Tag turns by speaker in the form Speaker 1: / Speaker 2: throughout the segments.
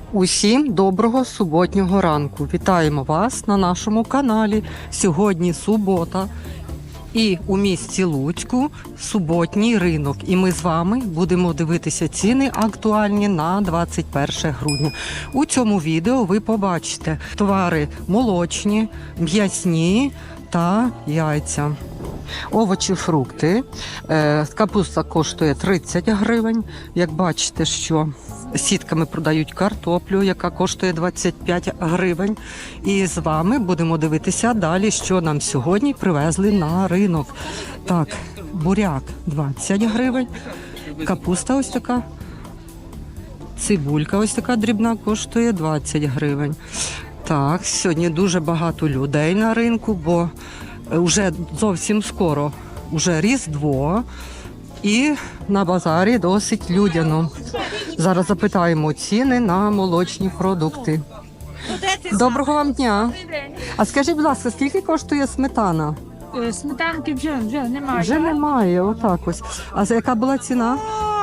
Speaker 1: Усім доброго суботнього ранку. Вітаємо вас на нашому каналі. Сьогодні субота і у місті Луцьку суботній ринок. І ми з вами будемо дивитися ціни актуальні на 21 грудня. У цьому відео ви побачите товари молочні, м'ясні та яйця. Овочі, фрукти. Капуста коштує 30 гривень. Як бачите, що сітками продають картоплю, яка коштує 25 гривень. І з вами будемо дивитися далі, що нам сьогодні привезли на ринок. Так, буряк 20 гривень. Капуста ось така. Цибулька ось така дрібна коштує 20 гривень. Так, сьогодні дуже багато людей на ринку, бо вже зовсім скоро, вже Різдво, і на базарі досить людяно. Зараз запитаємо ціни на молочні продукти. Доброго вам дня. А скажіть, будь ласка, скільки коштує сметана?
Speaker 2: Сметанки вже немає.
Speaker 1: Вже немає, отак ось. А за яка була ціна?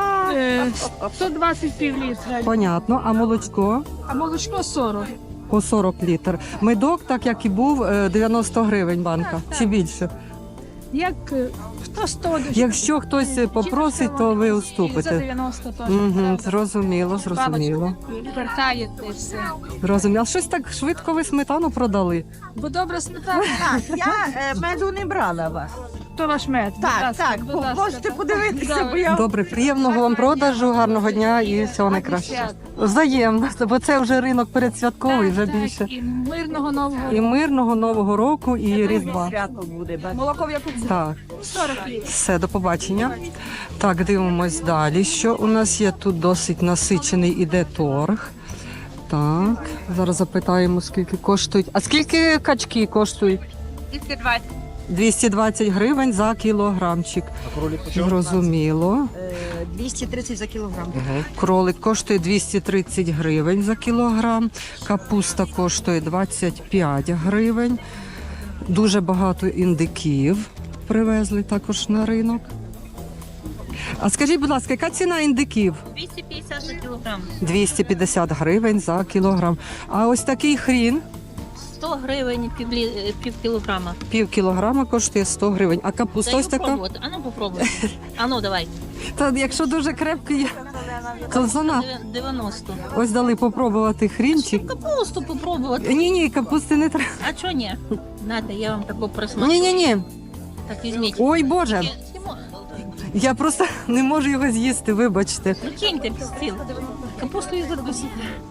Speaker 2: 120 пів-літра.
Speaker 1: Понятно. А молочко?
Speaker 2: А молочко 40.
Speaker 1: По 40 літр. Медок, так як і був, 90 гривень банка. Чи більше?
Speaker 2: Як хто 100?
Speaker 1: Якщо хтось попросить, то ви
Speaker 2: За
Speaker 1: уступите.
Speaker 2: 90 теж.
Speaker 1: Угу, зрозуміло, зрозуміло.
Speaker 2: Вертаєте все.
Speaker 1: Зрозуміло. А щось так швидко ви сметану продали?
Speaker 2: Бо добра сметана.
Speaker 3: Так, я меду не брала вас.
Speaker 2: То ваш мед. Будь
Speaker 3: Так,
Speaker 2: ласка,
Speaker 3: так,
Speaker 2: будь ласка.
Speaker 3: можете подивитися,
Speaker 2: Добре.
Speaker 3: бо я
Speaker 1: Добре, приємного вам продажу, гарного дня і всього найкращого. Взаємно, бо це вже ринок передсвятковий, вже
Speaker 2: Так,
Speaker 1: більше.
Speaker 2: і мирного нового.
Speaker 1: І мирного Нового року, і Різдва.
Speaker 3: свято буде. бачите.
Speaker 2: Молоко в яку
Speaker 1: Так,
Speaker 2: 40 літрів.
Speaker 1: все, до побачення. Так, дивимось далі. Що у нас є тут досить насичений іде торг. Так, зараз запитаємо, скільки коштують. А скільки качки коштують?
Speaker 2: 220.
Speaker 1: 220 гривень за кілограмчик. Зрозуміло.
Speaker 3: 230 за кілограм.
Speaker 1: Кролик коштує 230 гривень за кілограм. Капуста коштує 25 гривень. Дуже багато індиків привезли також на ринок. А скажіть, будь ласка, яка ціна індиків?
Speaker 4: 250 за кілограм.
Speaker 1: 250 гривень за кілограм. А ось такий хрін
Speaker 4: 100 гривень пів кілограма.
Speaker 1: пів кілограма коштує 100 гривень. А капуста
Speaker 4: Даю
Speaker 1: ось така?
Speaker 4: попробувати. Ану попробуй. Ану, давай.
Speaker 1: Та якщо дуже крепкий, то зона.
Speaker 4: 90.
Speaker 1: Ось дали попробувати хрінчик.
Speaker 4: Капусту попробувати.
Speaker 1: Ні, капусти не треба.
Speaker 4: А чого ні? Надо, я вам таку присмажу.
Speaker 1: Ні.
Speaker 4: Так візьміть.
Speaker 1: Ой, Боже.
Speaker 4: Сімо.
Speaker 1: Я просто не можу його з'їсти, вибачте.
Speaker 4: Ну киньте під стіл. Капусту і задусі.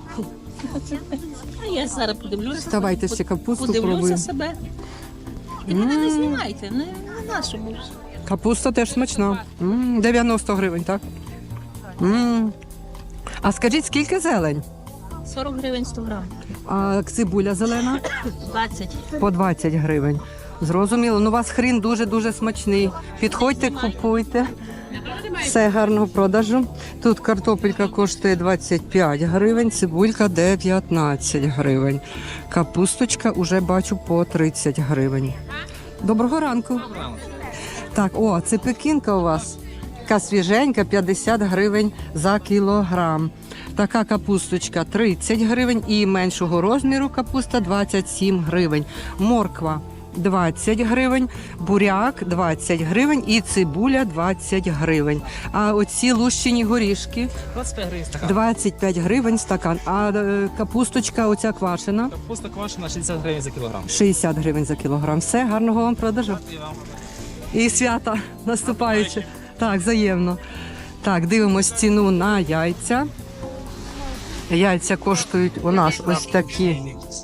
Speaker 4: А я зараз подивлюся.
Speaker 1: Давайте ще капусту
Speaker 4: Подивлюся
Speaker 1: пробуємо.
Speaker 4: себе. І мене не знімайте, не нашому.
Speaker 1: Капуста теж смачна. 90 гривень, так? А скажіть, скільки зелень?
Speaker 4: 40 гривень 100 грам.
Speaker 1: А цибуля зелена?
Speaker 4: 20.
Speaker 1: По 20 гривень. Зрозуміло. Ну, у вас хрін дуже-дуже смачний. Підходьте, купуйте. Все, гарного продажу. Тут картопелька коштує 25 гривень, цибулька 19 гривень. Капусточка уже бачу по 30 гривень. Доброго ранку. Так, це пекінка у вас. Така свіженька, 50 гривень за кілограм. Така капусточка 30 гривень і меншого розміру капуста 27 гривень. Морква 20 гривень, буряк 20 гривень і цибуля 20 гривень. А оці лущені горішки
Speaker 5: 25 гривень стакан.
Speaker 1: 25 гривень стакан. А капусточка оця квашена
Speaker 5: Капуста квашена 60 гривень за кілограм.
Speaker 1: 60 гривень за кілограм. Все, гарного вам продажу. І свята наступаючи. Так, взаємно. Так, дивимось ціну на яйця. Яйця коштують у нас ось такі.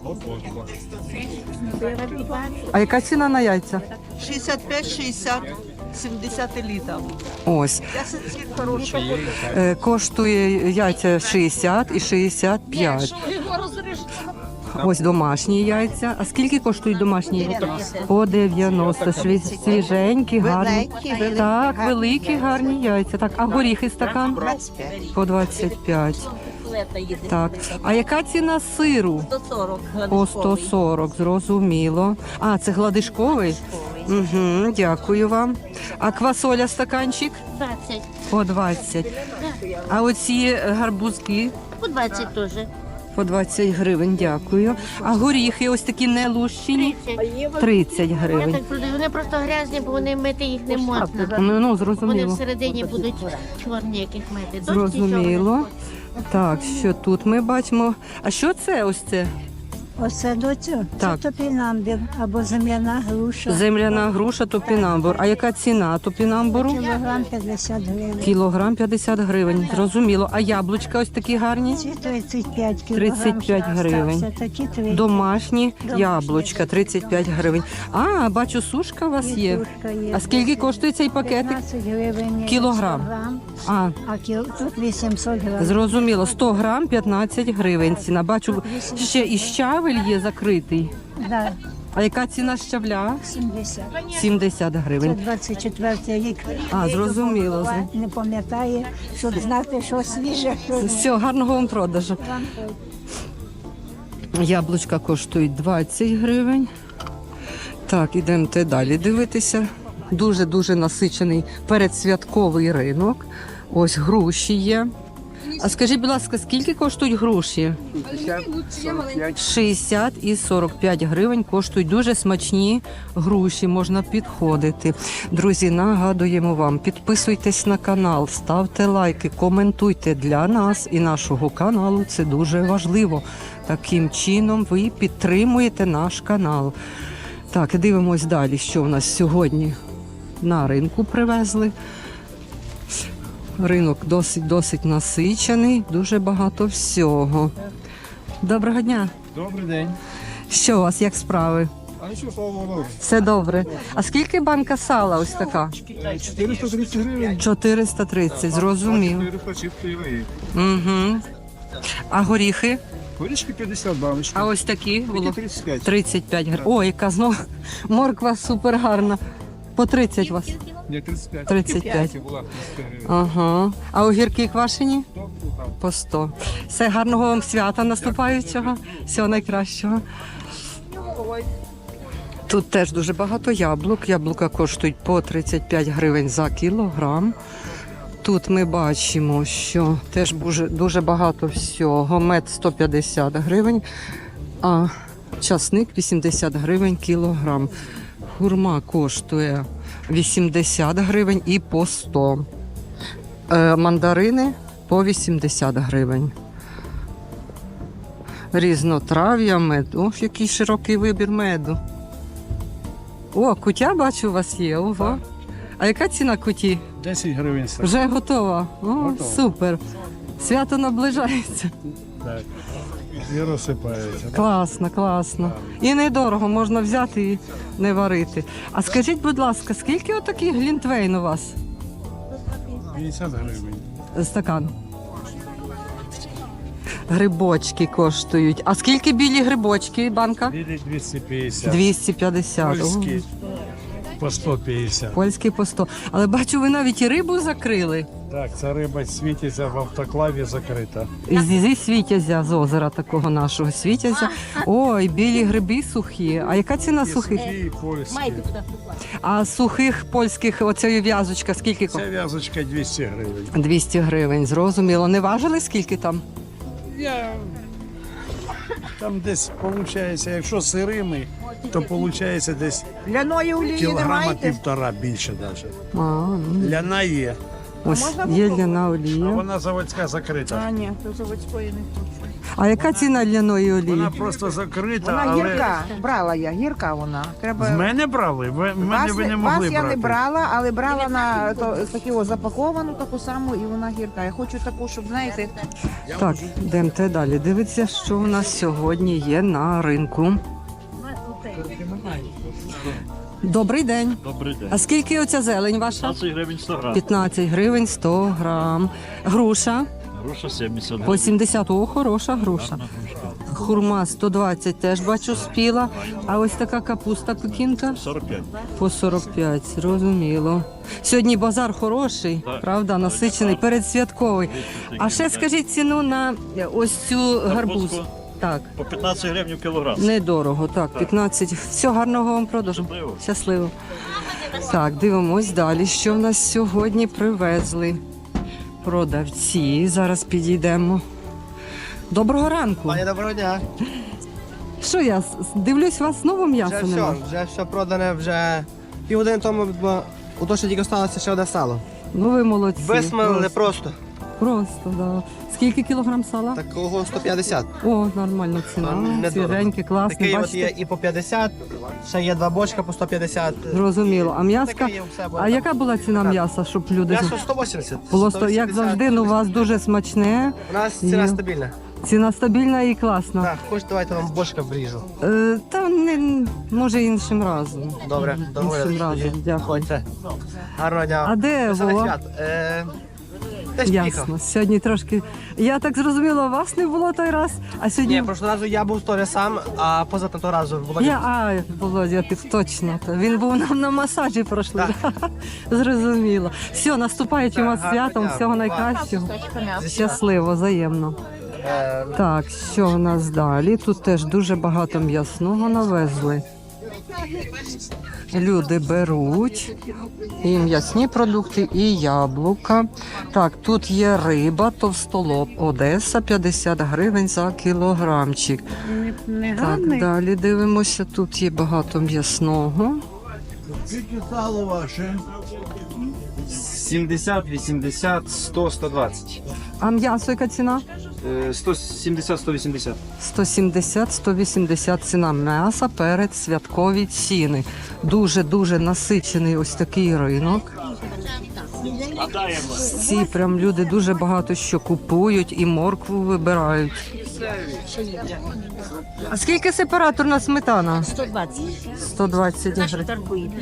Speaker 1: А яка ціна на яйця?
Speaker 3: 65, 60, 70 літрів.
Speaker 1: Ось.
Speaker 3: Я сільський хороший.
Speaker 1: Коштує яйця 60 і 65. Ось домашні яйця. А скільки коштують домашні яйця? По 90. Свіженькі, гарні.
Speaker 3: Великі,
Speaker 1: Так,
Speaker 3: гарні
Speaker 1: великі, гарні яйця. Так, а горіхи стакан?
Speaker 3: 25.
Speaker 1: По 25. Так. А яка ціна сиру?
Speaker 4: 140.
Speaker 1: По 140, зрозуміло. А, це гладишковий? Угу, дякую вам. А квасоля стаканчик?
Speaker 4: 20.
Speaker 1: По 20. А оці гарбузки?
Speaker 4: По 20 теж.
Speaker 1: По 20 гривень, дякую. А горіхи ось такі не лущені? 30
Speaker 6: Я
Speaker 1: гривень.
Speaker 6: так продаю. Вони просто грязні, бо вони мити їх не можна.
Speaker 1: Ну,
Speaker 6: Вони
Speaker 1: зрозуміло.
Speaker 6: всередині будуть чорні, яких мити.
Speaker 1: Зрозуміло. Так, що тут ми бачимо? А що це ось це?
Speaker 7: Оце доцю,
Speaker 1: Так.
Speaker 7: це топінамбір або земляна груша.
Speaker 1: Земляна груша топінамбур. А яка ціна топінамбуру?
Speaker 7: Кілограм 50 гривень.
Speaker 1: Кілограм 50 гривень. Зрозуміло. А яблучка ось такі гарні?
Speaker 7: Ці 35 кілограм.
Speaker 1: 35 гривень.
Speaker 7: Це такі 3.
Speaker 1: Домашні яблучка 35 гривень. А, бачу, сушка у вас є. А скільки коштує цей пакетик?
Speaker 7: 15 гривень.
Speaker 1: Кілограм.
Speaker 7: 100 грам,
Speaker 1: А,
Speaker 7: а тут 800 грам.
Speaker 1: зрозуміло. 100 грам 15 гривень ціна. Бачу, ще і щавель є закритий.
Speaker 7: Да,
Speaker 1: А яка ціна щавля?
Speaker 7: 70.
Speaker 1: 70
Speaker 7: Це
Speaker 1: гривень.
Speaker 7: 24 рік.
Speaker 1: А, зрозуміло.
Speaker 7: Не пам'ятає, щоб знати, що свіже, що ні.
Speaker 1: Все, гарного вам продажу. Яблучка коштують 20 гривень. Так, ідемте далі дивитися. Дуже-дуже насичений передсвятковий ринок. Ось груші є. А скажіть, будь ласка, скільки коштують груші? 60 і 45 гривень коштують дуже смачні груші, можна підходити. Друзі, нагадуємо вам, підписуйтесь на канал, ставте лайки, коментуйте для нас і нашого каналу. Це дуже важливо. Таким чином ви підтримуєте наш канал. Так, дивимось далі, що в нас сьогодні на ринку привезли. Ринок досить насичений, дуже багато всього. Доброго дня.
Speaker 8: Добрий день.
Speaker 1: Що у вас, як справи?
Speaker 8: А нічого, слава Богу.
Speaker 1: Все добре. А скільки банка сала ось така?
Speaker 8: 430 гривень.
Speaker 1: 430, зрозумів.
Speaker 8: 400 чистої ваги.
Speaker 1: Угу. А горіхи?
Speaker 8: Горішки 50 баночки.
Speaker 1: А ось такі було?
Speaker 8: Такі 35.
Speaker 1: 35 гривень. О, яка знову морква супер гарна. По 30 у вас?
Speaker 8: Ні, 35.
Speaker 1: 35.
Speaker 8: Була 35 гривень.
Speaker 1: Ага. А огірки квашені?
Speaker 8: Там.
Speaker 1: По 100. Все, гарного вам свята наступаючого. Всього найкращого. Тут теж дуже багато яблук. Яблука коштують по 35 гривень за кілограм. Тут ми бачимо, що теж дуже багато всього. Мед 150 гривень, а часник 80 гривень кілограм. Хурма коштує 80 гривень і по 100. Мандарини по 80 гривень. Різнотрав'я, мед. Ох, який широкий вибір меду. О, кутя, бачу, у вас є. Ого. А яка ціна куті?
Speaker 8: 10 гривень.
Speaker 1: Вже готова. О,
Speaker 8: Готова.
Speaker 1: супер. Свято наближається.
Speaker 8: Так. І розсипається.
Speaker 1: Класно, класно. І недорого, можна взяти і не варити. А скажіть, будь ласка, скільки отакий глінтвейн у вас?
Speaker 8: 50 гривень.
Speaker 1: Стакан. Грибочки коштують. А скільки білі грибочки, банка?
Speaker 8: Білі 250.
Speaker 1: 250.
Speaker 8: Польські по 150.
Speaker 1: Польський по 100. Але бачу, ви навіть і рибу закрили.
Speaker 8: Так, ця риба світиться в автоклаві закрита.
Speaker 1: Зі світязя, з озера такого нашого світязя. Ой, білі гриби сухі. А яка ціна сухих?
Speaker 8: І польські.
Speaker 1: А сухих польських, оцеї в'язочка, скільки?
Speaker 8: Ця в'язочка 200 гривень.
Speaker 1: 200 гривень, зрозуміло. Не важили, скільки там?
Speaker 8: Я... Там десь виходить, якщо сирими, то виходить десь
Speaker 3: Ляної олії
Speaker 8: кілограма півтора більше навіть.
Speaker 1: А, ну,
Speaker 8: Ляна є,
Speaker 1: ось є ляна
Speaker 8: а
Speaker 1: олія.
Speaker 8: вона заводська закрита.
Speaker 3: ні, то заводської не хочу.
Speaker 1: А яка ціна ляної олії?
Speaker 8: Вона просто закрита,
Speaker 3: Вона
Speaker 8: але
Speaker 3: гірка, брала я, гірка вона. Треба...
Speaker 8: з мене брали? В мене ви не
Speaker 3: вас
Speaker 8: могли
Speaker 3: я
Speaker 8: брати.
Speaker 3: не брала, але брала на таку запаковану, таку саму, і вона гірка. Я хочу таку, щоб, знаєте,
Speaker 1: Так, йдемте далі. Дивіться, що у нас сьогодні є на ринку. Добрий день.
Speaker 9: Добрий день.
Speaker 1: А скільки оця зелень ваша?
Speaker 9: 15 гривень 100 грам.
Speaker 1: 15 гривень 100 грам. Груша
Speaker 9: Груша 70
Speaker 1: по
Speaker 9: гривень.
Speaker 1: 70. О, хороша груша.
Speaker 9: Гарна грушка.
Speaker 1: Хурма 120 теж бачу спіла. А ось така капуста пекінка
Speaker 9: 45.
Speaker 1: по 45, зрозуміло. Сьогодні базар хороший,
Speaker 9: Так.
Speaker 1: правда, насичений, передсвятковий. А ще скажіть ціну на ось цю гарбуз.
Speaker 9: Гарбузку?
Speaker 1: Так,
Speaker 9: По 15 гривень в кілограм.
Speaker 1: недорого, так, 15. Всього гарного вам продажу.
Speaker 9: Щасливо.
Speaker 1: Щасливо. Так, дивимось далі, що в нас сьогодні привезли продавці. Зараз підійдемо Доброго ранку.
Speaker 10: Пані, доброго дня.
Speaker 1: Що я дивлюсь, у вас знову м'яса
Speaker 10: Вже
Speaker 1: нема?
Speaker 10: все, вже все продане, вже півгодини тому, бо у то, що тільки сталося ще одне сало.
Speaker 1: Ну ви молодці.
Speaker 10: Висмалили просто.
Speaker 1: Просто, да. Скільки кілограм сала?
Speaker 10: Такого 150.
Speaker 1: О, нормальна ціна.
Speaker 10: Недорого.
Speaker 1: Свіженьке, класне,
Speaker 10: Такий от
Speaker 1: бачите?
Speaker 10: є і по 50, ще є 2 бочка по 150.
Speaker 1: Зрозуміло. А м'яска?
Speaker 10: Таке є все.
Speaker 1: А яка була ціна м'яса, щоб люди...
Speaker 10: М'ясо 180.
Speaker 1: Було
Speaker 10: 180.
Speaker 1: як завжди, ну у вас дуже смачне.
Speaker 10: У нас ціна
Speaker 1: Є.
Speaker 10: стабільна.
Speaker 1: Ціна стабільна і класна.
Speaker 10: Так, хоч давайте вам бочка вріжу.
Speaker 1: Та не, може іншим разом.
Speaker 10: Добре,
Speaker 1: Іншим разом, дякую.
Speaker 10: Ходьте. Гарного дня.
Speaker 1: А де
Speaker 10: Веселих
Speaker 1: Вова?
Speaker 10: свят. Десь поїхав.
Speaker 1: Ясно. Сьогодні трошки. Я так зрозуміла, вас не було той раз, а сьогодні.
Speaker 10: Ні, прошлого разу я був теж сам, а позатого разу Володя.
Speaker 1: Володя, точно. Він був нам на масажі пройшли. Зрозуміло. Все, наступаючим вас
Speaker 10: гарного
Speaker 1: святом,
Speaker 10: дня.
Speaker 1: всього найкращого. Щасливо, взаємно. Так, що в нас далі? Тут теж дуже багато м'ясного навезли. Люди беруть і м'ясні продукти, і яблука. Так, тут є риба, товстолоб, Одеса, 50 гривень за кілограмчик. Так, далі дивимося, тут є багато м'ясного.
Speaker 8: Скільки сало ваше?
Speaker 5: 70, 80, 100, 120.
Speaker 1: А м'ясо яка ціна?
Speaker 5: 170, 180.
Speaker 1: 170-180 ціна м'яса перед святкові ціни. Дуже-дуже насичений ось такий ринок. Всі прям люди дуже багато що купують і моркву вибирають. А скільки сепараторна сметана?
Speaker 6: 120.
Speaker 1: 120 гривень.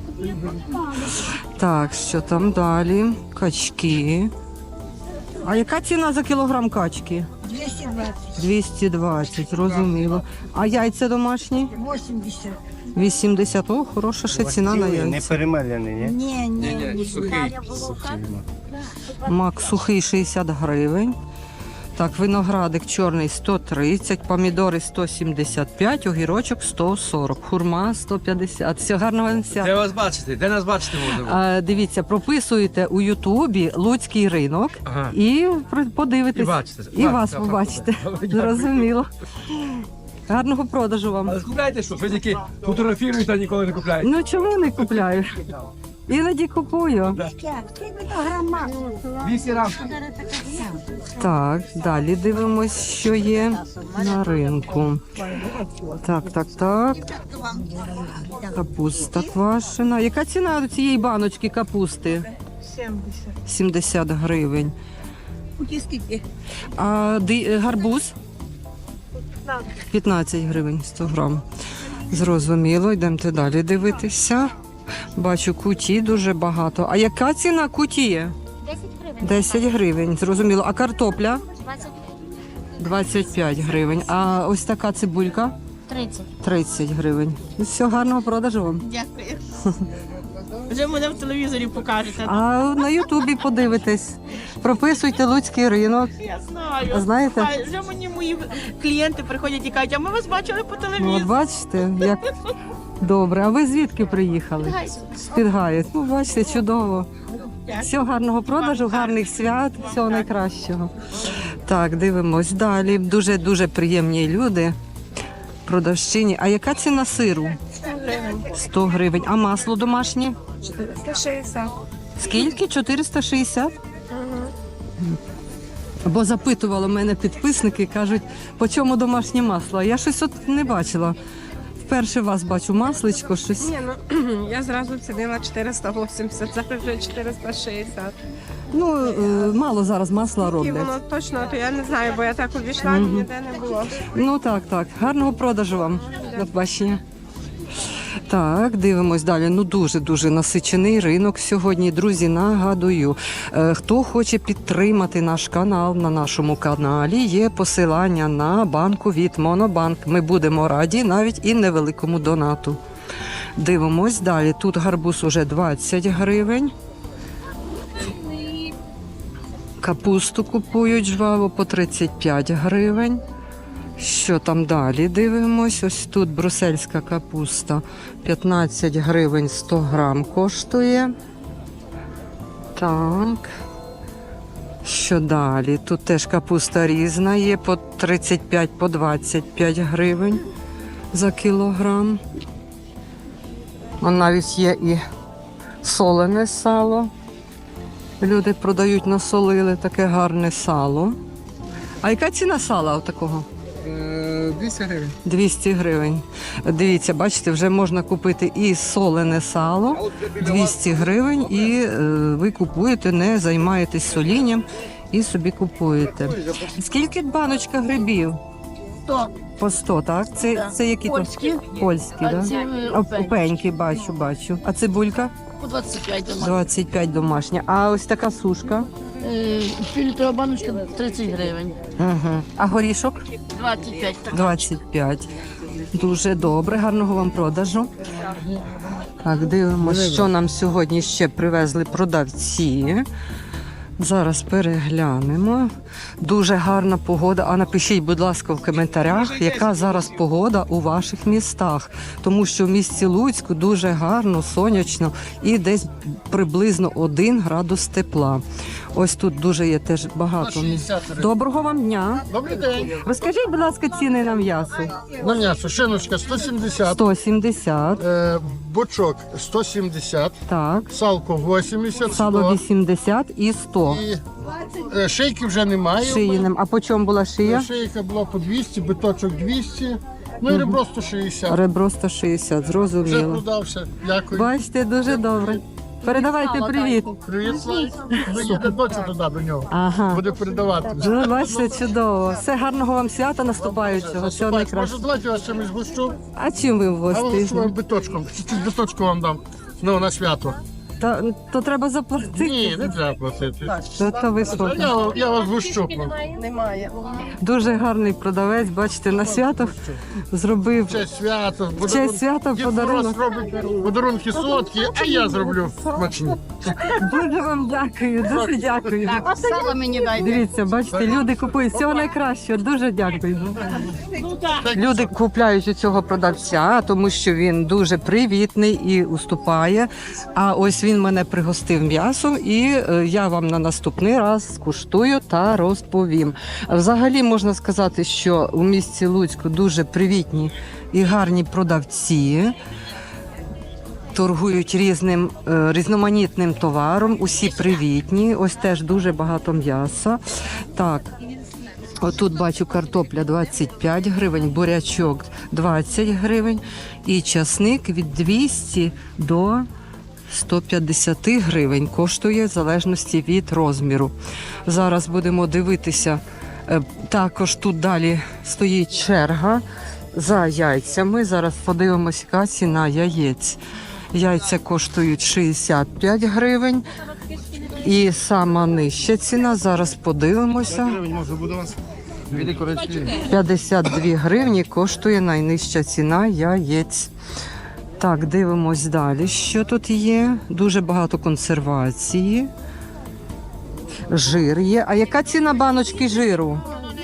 Speaker 1: Так, що там далі? Качки. А яка ціна за кілограм качки?
Speaker 7: 220.
Speaker 1: 220, зрозуміло. А яйця домашні?
Speaker 7: 80.
Speaker 1: 80. О, хороша ще ціна на
Speaker 8: Не
Speaker 1: яйця.
Speaker 8: перемелений, ні?
Speaker 7: Ні.
Speaker 1: Мак сухий 60 гривень. Так, виноградик чорний 130, помідори 175, огірочок 140, хурма 150. Все, гарного вам свята.
Speaker 11: Де вас бачити? Де нас бачити можна?
Speaker 1: Дивіться, прописуйте у Ютубі Луцький ринок
Speaker 11: Ага.
Speaker 1: і подивитесь.
Speaker 11: І бачите.
Speaker 1: І вас побачите.
Speaker 11: Добре,
Speaker 1: Зрозуміло. Гарного продажу вам.
Speaker 11: Але купляєте що? Ви тільки фотографіруєте, а ніколи не купляєте.
Speaker 1: Ну чому не купляю? Іноді купую.
Speaker 7: Скільки то грам масла?
Speaker 11: 200 грам.
Speaker 1: Так, далі дивимось, що є на ринку. Так. Капуста квашена. Яка ціна цієї баночки капусти? 70 гривень. А гарбуз? 15 гривень 100 грам. Зрозуміло, йдемте далі дивитися. Бачу, куті дуже багато. А яка ціна куті?
Speaker 6: 10 гривень.
Speaker 1: 10 гривень, зрозуміло. А картопля?
Speaker 6: 20.
Speaker 1: 25 гривень. А ось така цибулька?
Speaker 6: 30.
Speaker 1: 30 гривень. Ну, все, гарного продажу вам.
Speaker 4: Дякую. Вже мене в телевізорі покажете.
Speaker 1: А на Ютубі подивитесь. Прописуйте Луцький ринок.
Speaker 4: Я знаю.
Speaker 1: А знаєте?
Speaker 4: А вже мені мої клієнти приходять і кажуть, а ми вас бачили по
Speaker 1: Ну,
Speaker 4: телевізору.
Speaker 1: от бачите, як добре. А ви звідки приїхали? З-під Гаєць. Ну, бачите, чудово. Всього гарного продажу, гарних свят, всього найкращого. Так, дивимось далі. Дуже-дуже приємні люди. Продавщині. А яка ціна сиру? 100 гривень. А масло домашнє?
Speaker 2: 460.
Speaker 1: Скільки? 460? Бо запитували мене підписники, кажуть, по чому домашнє масло? Я щось от не бачила. Вперше вас бачу масличко, щось.
Speaker 2: Ні, ну я зразу цінила 480, зараз вже 460.
Speaker 1: Ну, мало зараз масла
Speaker 2: І
Speaker 1: роблять.
Speaker 2: воно точно, то я не знаю, бо я так обійшла, ніде не було.
Speaker 1: Ну так. Гарного продажу вам. До побачення. Так, дивимось далі. Ну дуже насичений ринок сьогодні. Друзі, нагадую, хто хоче підтримати наш канал, на нашому каналі є посилання на банку від Монобанк. Ми будемо раді навіть і невеликому донату. Дивимось далі. Тут гарбуз уже 20 гривень. Капусту купують жваво по 35 гривень. Що там далі? Дивимось. Ось тут брусельська капуста 15 гривень 100 грам коштує. Так. Що далі? Тут теж капуста різна є по 35, по 25 гривень за кілограм. А навіть є і солене сало. Люди продають, насолили таке гарне сало. А яка ціна сала такого?
Speaker 11: 200 гривень.
Speaker 1: 200 гривень. Дивіться, бачите, вже можна купити і солене сало 200 гривень, і ви купуєте, не займаєтесь солінням і собі купуєте. Скільки баночка грибів?
Speaker 6: 100.
Speaker 1: По 100, так? Це які
Speaker 6: Польські.
Speaker 1: то? Польські,
Speaker 6: А
Speaker 1: так?
Speaker 6: ці
Speaker 1: Опеньки, бачу. А цибулька?
Speaker 6: По 25 дома.
Speaker 1: 25 домашня. А ось така сушка?
Speaker 6: Півлітрова баночка 30 гривень.
Speaker 1: Угу. А горішок?
Speaker 6: 25.
Speaker 1: 25. Дуже добре, гарного вам продажу. Так, дивимося, що нам сьогодні ще привезли продавці. Зараз переглянемо. Дуже гарна погода. А напишіть, будь ласка, в коментарях, яка зараз погода у ваших містах. Тому що в місті Луцьку дуже гарно, сонячно і десь приблизно 1 градус тепла. Ось тут дуже є теж багато місць. Доброго вам дня.
Speaker 8: Добрий день.
Speaker 1: Розкажіть, будь ласка, ціни на м'ясо.
Speaker 8: На м'ясо шиночка 170,
Speaker 1: 170,
Speaker 8: бочок 170,
Speaker 1: так.
Speaker 8: салко 80,
Speaker 1: Сало
Speaker 8: 100.
Speaker 1: 80 і 100.
Speaker 8: І шийки вже немає.
Speaker 1: Шиїним. А по чому була шия?
Speaker 8: Шийка була по 200, биточок 200, ну і ребро 160.
Speaker 1: Ребро 160,
Speaker 8: Вже
Speaker 1: зрозуміло.
Speaker 8: продався. Дякую.
Speaker 1: Бачите, дуже добре. Передавайте привіт.
Speaker 8: Привіт, Слав. Доїде дочу туди до нього.
Speaker 1: Ага.
Speaker 8: Буде передавати.
Speaker 1: Ну, бачите, чудово. Все, гарного вам свята наступаючого. Всього
Speaker 8: Може,
Speaker 1: найкраще.
Speaker 8: давайте я вас чимось гущу,
Speaker 1: А чим ви
Speaker 8: а вас
Speaker 1: вгостите?
Speaker 8: вам биточком. Чуть-чуть биточку вам дам. Ну, на свято.
Speaker 1: То треба заплатити.
Speaker 8: Ні, не треба платити.
Speaker 1: То високо.
Speaker 8: Я вас гущу.
Speaker 1: Дуже гарний продавець, бачите, на свято зробив.
Speaker 8: В честь свята.
Speaker 1: В честь свята
Speaker 8: Дід
Speaker 1: подарунок.
Speaker 8: Мороз робить подарунки солодкі, а я зроблю смачні.
Speaker 1: Дуже вам дякую, дуже дякую.
Speaker 2: Сало мені дайте.
Speaker 1: Дивіться, бачите, люди купують всього найкращого. Дуже дякую. Люди купляють у цього продавця, тому що він дуже привітний і уступає. А ось він мене пригостив м'ясом, і я вам на наступний раз скуштую та розповім. Взагалі можна сказати, що у місті Луцьку дуже привітні і гарні продавці. Торгують різноманітним товаром, усі привітні. Ось теж дуже багато м'яса. Так, отут бачу картопля 25 гривень, бурячок 20 гривень і часник від 200 до 150 гривень коштує в залежності від розміру. Зараз будемо дивитися. Також тут далі стоїть черга за яйцями. Зараз подивимося, яка ціна яєць. Яйця коштують 65 гривень. І сама нижча ціна, зараз подивимося. 52 гривні коштує найнижча ціна яєць. Так, дивимось далі, що тут є. Дуже багато консервації. Жир є. А яка ціна баночки жиру?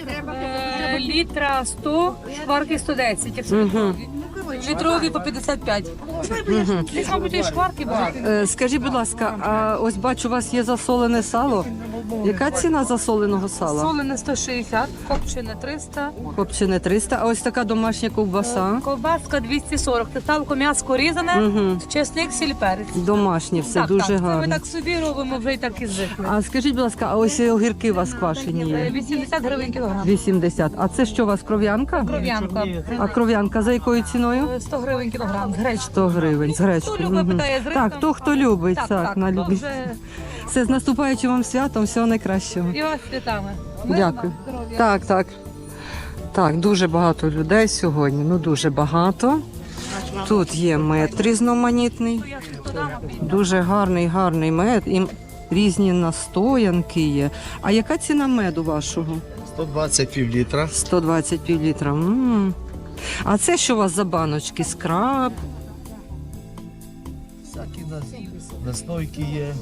Speaker 2: Літра 100, шкварки 110.
Speaker 1: Угу.
Speaker 2: Літрові по 55. Десь, мабуть, і шкварки багато.
Speaker 1: Скажіть, будь ласка, а ось бачу, у вас є засолене сало. Яка ціна засоленого сала?
Speaker 2: Солене 160, копчене 300,
Speaker 1: Копчене 300, а ось така домашня ковбаса.
Speaker 2: ковбаска 240. Це салко м'ясо різане,
Speaker 1: Угу.
Speaker 2: чесник, сіль, перець.
Speaker 1: Домашнє все, дуже
Speaker 2: Це ми
Speaker 1: гарно.
Speaker 2: так собі робимо, вже і так і звикли.
Speaker 1: А скажіть, будь ласка, а ось огірки у вас квашені є?
Speaker 2: 80 гривень кілограм.
Speaker 1: 80. А це що у вас, кров'янка?
Speaker 2: Кров'янка.
Speaker 1: А кров'янка за якою ціною?
Speaker 2: 100 гривень кілограм. З гречки.
Speaker 1: 100 гривень з
Speaker 2: Хто
Speaker 1: гречкою.
Speaker 2: любить,
Speaker 1: Мгм.
Speaker 2: питає з рисом.
Speaker 1: Так, хто любить,
Speaker 2: Так,
Speaker 1: на
Speaker 2: то
Speaker 1: любі.
Speaker 2: вже
Speaker 1: Все, з наступаючим вам святом, всього найкращого.
Speaker 2: і вас святами.
Speaker 1: Дякую. Так. Так, дуже багато людей сьогодні, ну дуже багато. Тут є мед різноманітний, дуже гарний мед, і різні настоянки є. А яка ціна меду вашого?
Speaker 8: 120 пів-літра.
Speaker 1: 120 півлітра. А це що у вас за баночки? Скраб?
Speaker 9: Всякі настойки є.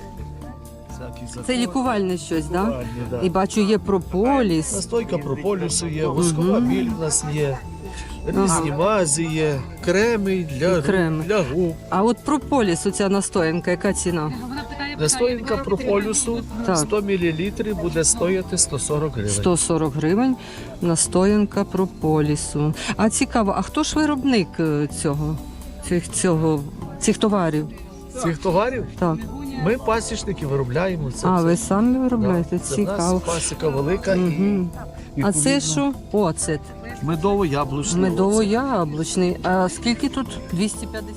Speaker 1: Це лікувальне щось, так? Да? І бачу, є прополіс.
Speaker 9: Настойка прополісу є, воскова біль у нас є, різні мази є, креми для,
Speaker 1: Креми.
Speaker 9: для губ.
Speaker 1: А от прополіс, оця настоянка, яка ціна?
Speaker 9: Настоянка прополісу
Speaker 1: Так.
Speaker 9: 100 мл буде стояти 140 гривень.
Speaker 1: 140 гривень настоянка прополісу. А цікаво, а хто ж виробник цих товарів?
Speaker 9: Цих товарів
Speaker 1: Так.
Speaker 9: ми пасічники виробляємо. Це
Speaker 1: А,
Speaker 9: все.
Speaker 1: ви самі виробляєте?
Speaker 9: Це в
Speaker 1: Цікаво.
Speaker 9: нас пасіка велика
Speaker 1: Угу.
Speaker 9: і
Speaker 1: А це що? Оцет.
Speaker 9: медово-яблучний.
Speaker 1: Медово-яблучний. А скільки тут? 250?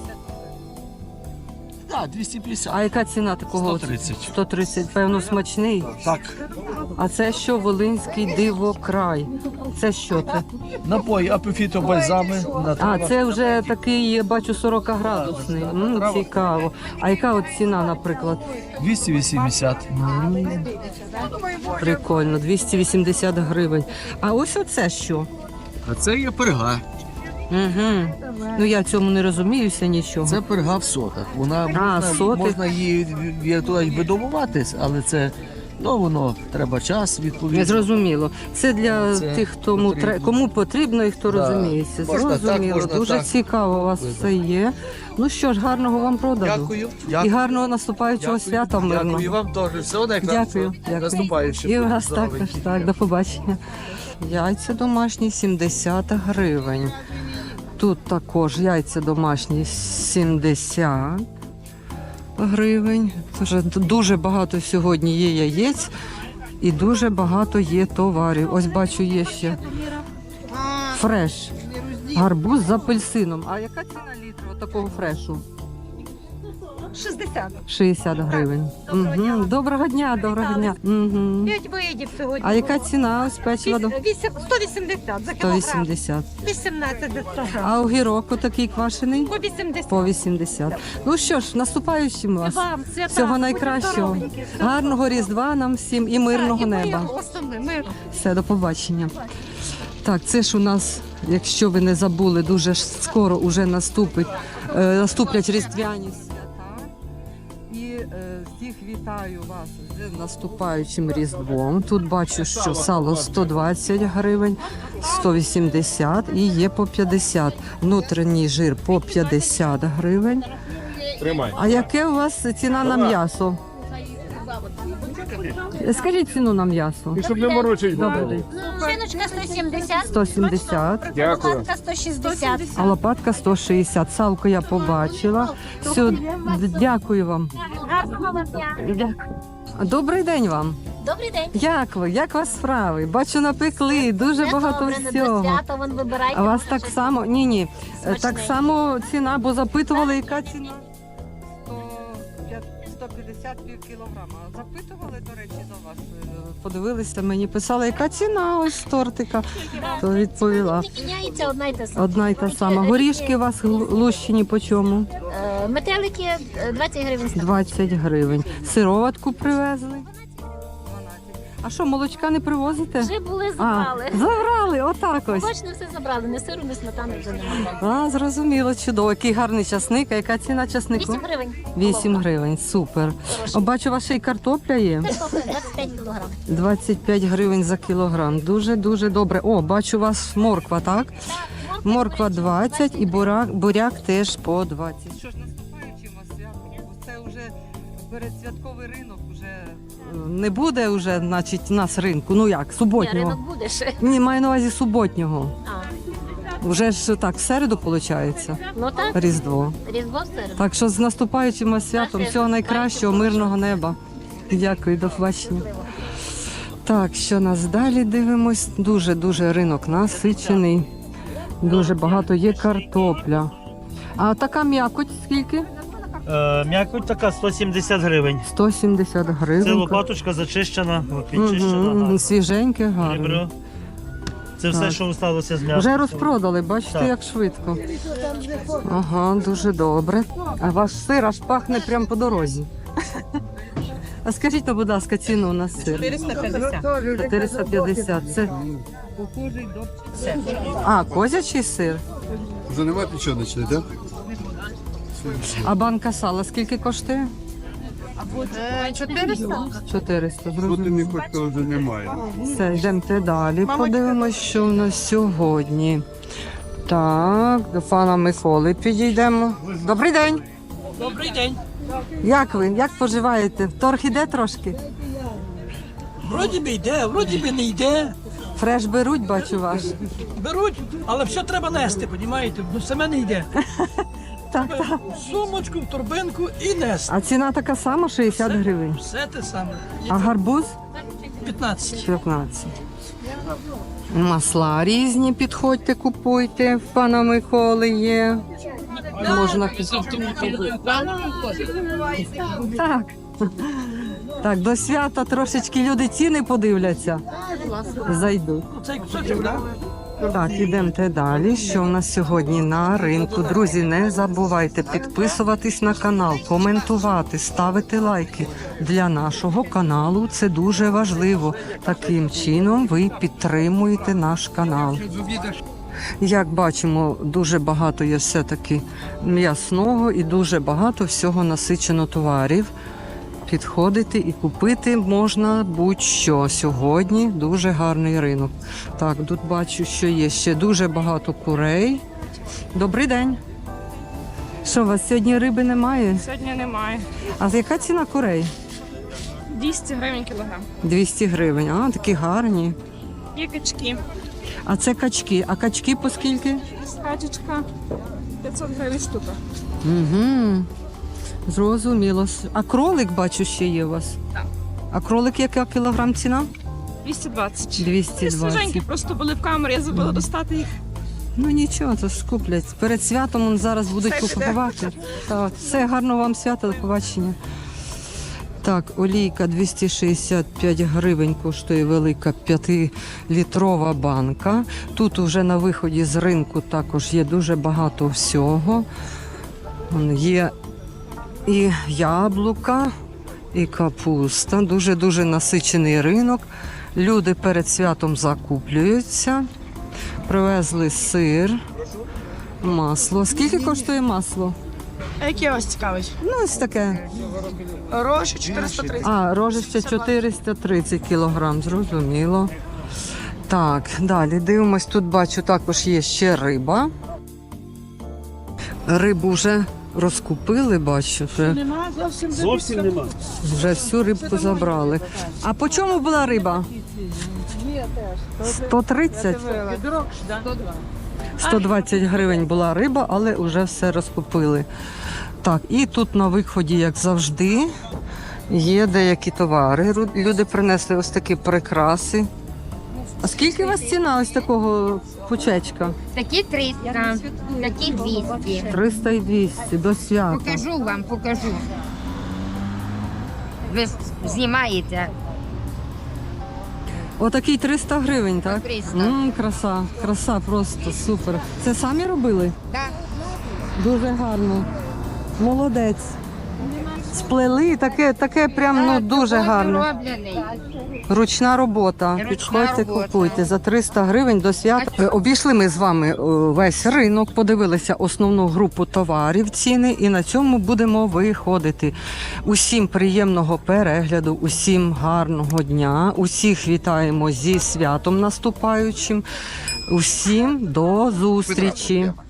Speaker 9: Так, 250.
Speaker 1: А яка ціна такого?
Speaker 9: 130.
Speaker 1: 130. Певно, смачний.
Speaker 9: Так.
Speaker 1: А це що? Волинський дивокрай. Це що це?
Speaker 9: Напої апофіто бальзами.
Speaker 1: А, це вже такий, я бачу, 40-градусний. Цікаво. А яка от ціна, наприклад?
Speaker 9: 280.
Speaker 1: Прикольно, 280 гривень. А ось оце що?
Speaker 9: А це є перга.
Speaker 1: Угу. Ну я цьому не розуміюся нічого.
Speaker 9: Це перга в сотах. Вона
Speaker 1: соти.
Speaker 9: можна її видобувати, але це воно треба час, відповідно.
Speaker 1: Зрозуміло. Це для
Speaker 9: Це
Speaker 1: тих,
Speaker 9: потрібно.
Speaker 1: кому потрібно і хто
Speaker 9: Да.
Speaker 1: розуміється.
Speaker 9: Можна так,
Speaker 1: Зрозуміло.
Speaker 9: можна
Speaker 1: Дуже
Speaker 9: так.
Speaker 1: цікаво у вас все є. Ну що ж, гарного вам продажу.
Speaker 9: Дякую.
Speaker 1: І гарного наступаючого свята мирного.
Speaker 9: Дякую вам теж. Всього найкращого.
Speaker 1: Дякую.
Speaker 9: Наступаючим.
Speaker 1: І у вас
Speaker 9: Здоровенький.
Speaker 1: також. Так, до побачення. Яйця домашні 70 гривень. Тут також яйця домашні 70 гривень. Тож дуже багато сьогодні є яєць і дуже багато є товарів. Ось бачу, є ще фреш. Гарбуз з апельсином. А яка ціна літру такого фрешу?
Speaker 2: 60.
Speaker 1: 60 гривень. Угу. Доброго дня, доброго дня. Угу.
Speaker 2: 5 видів сьогодні.
Speaker 1: А яка ціна ось печива?
Speaker 2: 180 за кілограм.
Speaker 1: 180.
Speaker 2: 18 за 100 грам.
Speaker 1: А огірок такий квашений?
Speaker 2: По 80.
Speaker 1: По 80. Ну що ж, наступаючим вас.
Speaker 2: Вам свята.
Speaker 1: Всього найкращого. Гарного Різдва нам всім і мирного неба.
Speaker 2: Мир.
Speaker 1: Все, до побачення. Так, це ж у нас, якщо ви не забули, дуже ж скоро уже наступлять різдвяні свята. І всіх вітаю вас з наступаючим Різдвом. Тут бачу, що сало 120 гривень, 180 і є по 50. Внутрішній жир по 50 гривень. А яке у вас ціна на м'ясо? Скажіть ціну на м'ясо.
Speaker 8: Щоб не морочить.
Speaker 1: Добрий день.
Speaker 7: Шиночка 170,
Speaker 1: 170,
Speaker 8: Дякую.
Speaker 7: лопатка 160.
Speaker 1: а лопатка 160. Салко я побачила. Все, дякую вам.
Speaker 7: Гарного вам дня.
Speaker 1: Дякую. Добрий день вам.
Speaker 7: Добрий день.
Speaker 1: Як ви? Як у вас справи? Бачу, напекли дуже багато всього.
Speaker 7: свята, вон вибирайте.
Speaker 1: А у вас так само? Ні. Так само ціна, бо запитували, яка ціна? 150 пів кілограма. Запитували, до речі, до вас. Подивилися, мені писали, яка ціна ось тортика. То відповіла.
Speaker 7: Не міняється одна й та сама.
Speaker 1: Одна й та сама. Горішки у вас лущені по чому?
Speaker 7: Метелики 20 гривень.
Speaker 1: 20 гривень. Сироватку привезли? 12. А що, молочка не привозите?
Speaker 7: Вже були,
Speaker 1: А,
Speaker 7: забрали.
Speaker 1: забрали, отак ось.
Speaker 7: Бачно, все забрали. Не сиру, не сметани вже немає.
Speaker 1: А, зрозуміло, чудово. Який гарний часник. А яка ціна часнику?
Speaker 7: 8 гривень.
Speaker 1: 8 гривень, супер. О, бачу, у вас ще й картопля є.
Speaker 7: 25 кілограм.
Speaker 1: 25 гривень за кілограм. Дуже добре. О, бачу, у вас морква, так? Морква 20 і буряк теж по 20. Що ж, наступаючи вас свято, це вже передсвятковий ринок, вже не буде вже, значить, у нас ринку. Ну як,
Speaker 7: Ні,
Speaker 1: суботнього.
Speaker 7: ринок буде ще.
Speaker 1: Ні, маю на увазі суботнього.
Speaker 7: А,
Speaker 1: Вже ж так, в середу виходить,
Speaker 7: ну так,
Speaker 1: Різдво.
Speaker 7: Різдво в середу.
Speaker 1: Так що з наступаючим вас святом, всього найкращого, мирного неба. Дякую, до побачення. Так, що нас далі дивимось? Дуже ринок насичений. Дуже багато є картопля. А така м'якоть скільки?
Speaker 12: М'якоть така 170 гривень.
Speaker 1: 170 гривень.
Speaker 12: Це лопаточка зачищена, підчищена.
Speaker 1: Мгм, свіженьке, гарне.
Speaker 12: Ребро. Це все,
Speaker 1: Так.
Speaker 12: що сталося з м'ясом.
Speaker 1: Вже розпродали, бачите,
Speaker 12: Так.
Speaker 1: як швидко. Ага, дуже добре. А ваш сир аж пахне прямо по дорозі. А скажіть, будь ласка, ціну на сир?
Speaker 2: 450.
Speaker 1: 450. Це козячий сир.
Speaker 8: Вже немає печеночної, так?
Speaker 1: А банка сала скільки коштує?
Speaker 2: 400.
Speaker 1: 400.
Speaker 8: Тут
Speaker 1: Зрозуміло.
Speaker 8: коштує вже немає.
Speaker 1: Все, йдемте далі. Подивимось, що в нас сьогодні. Так, до пана Миколи підійдемо. Добрий день.
Speaker 12: Добрий день.
Speaker 1: Як ви? Як поживаєте? Торг іде трошки?
Speaker 13: Вроді би йде, вроді би не йде.
Speaker 1: Фреш беруть, бачу ваш.
Speaker 13: Беруть, але все треба нести, розумієте? Ну саме не йде.
Speaker 1: Так, так.
Speaker 13: В сумочку, в торбинку і нести.
Speaker 1: А ціна така сама, 60 гривень.
Speaker 13: Все те саме.
Speaker 1: А гарбуз?
Speaker 13: 15.
Speaker 1: 15. Масла різні, підходьте, купуйте. В пана Миколи є. Можна Так. Так, до свята трошечки люди ціни подивляться. Зайдуть.
Speaker 13: Цей кусочок, так?
Speaker 1: Так, ідемте далі. Що в нас сьогодні на ринку? Друзі, не забувайте підписуватись на канал, коментувати, ставити лайки. Для нашого каналу це дуже важливо. Таким чином ви підтримуєте наш канал. Як бачимо, дуже багато є все-таки м'ясного і дуже багато всього насичено товарів. Підходити і купити можна будь-що. Сьогодні дуже гарний ринок. Так, тут бачу, що є ще дуже багато курей. Добрий день. Що, у вас сьогодні риби немає?
Speaker 2: Сьогодні немає.
Speaker 1: А яка ціна курей?
Speaker 2: 200 гривень кілограм.
Speaker 1: 200 гривень. А, такі гарні.
Speaker 2: Є качки.
Speaker 1: А це качки. А качки по скільки?
Speaker 2: Качечка 500 гривень штука.
Speaker 1: Угу. Зрозуміло. А кролик, бачу, ще є у вас?
Speaker 2: Так.
Speaker 1: А кролик яка кілограм ціна?
Speaker 2: 220. Ці
Speaker 1: 220.
Speaker 2: свіженькі просто були в камері, я забула достати їх.
Speaker 1: Ну нічого, то ж куплять. Перед святом зараз будуть
Speaker 2: Все буде.
Speaker 1: купувати. Так, все, гарного вам свята, до побачення. Так, олійка 265 гривень коштує велика 5-літрова банка. Тут уже на виході з ринку також є дуже багато всього. Є і яблука, і капуста. Дуже-дуже насичений ринок. Люди перед святом закуплюються. Привезли сир, масло. Скільки коштує масло?
Speaker 2: А які вас цікавить?
Speaker 1: Ну, ось таке.
Speaker 2: Рожі 430.
Speaker 1: А, рожище 430 кілограм, зрозуміло. Так, далі дивимось. Тут бачу, також є ще риба. Рибу вже розкупили, бачу.
Speaker 12: Зовсім нема.
Speaker 1: Вже всю рибку забрали. А по чому була риба? 130? 120 гривень була риба, але вже все розкупили. Так, і тут на виході, як завжди, є деякі товари. Люди принесли ось такі прикраси. А скільки у вас ціна ось такого пучечка?
Speaker 7: Такі 300, такі 200.
Speaker 1: 300 і 200 до свята.
Speaker 7: Покажу. Ви знімаєте?
Speaker 1: Отакий 300 гривень, так?
Speaker 7: 300.
Speaker 1: Краса просто супер. Це самі робили?
Speaker 7: Так.
Speaker 1: Дуже гарно. Молодець. Сплели, таке прям ну, дуже гарно. Ручна робота. Підходьте, купуйте. За 300 гривень до свята. Обійшли ми з вами весь ринок, подивилися основну групу товарів, ціни, і на цьому будемо виходити. Усім приємного перегляду, усім гарного дня, усіх вітаємо зі святом наступаючим. Усім до зустрічі.